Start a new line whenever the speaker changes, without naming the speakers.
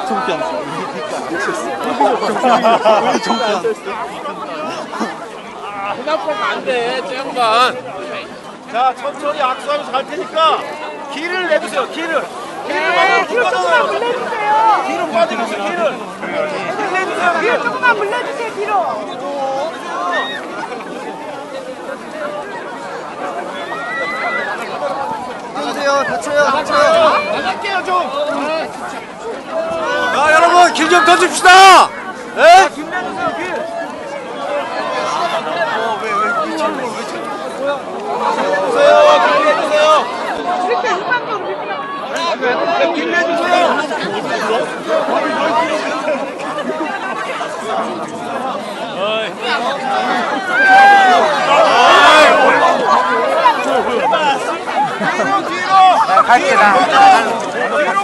정편. 우리 정편.
생각보다 안 돼, 저 양반.
자, 천천히 악수하면서 갈 테니까 길을 내주세요. 길을.
네, 뒤로 조금만 물려주세요.
뒤로 빠지면서 길을. 길을 내주세요.
뒤로 조금만 물려주세요, 뒤로.
나가세요. 다쳐요.
나갈게요, 좀.
자, 여러분 길 좀 던집시다. 예?
길 내주세요, 길. 길 내주세요.
이렇게 일반적으로 이렇게
길 내주세요. 뒤로.
갈게 나.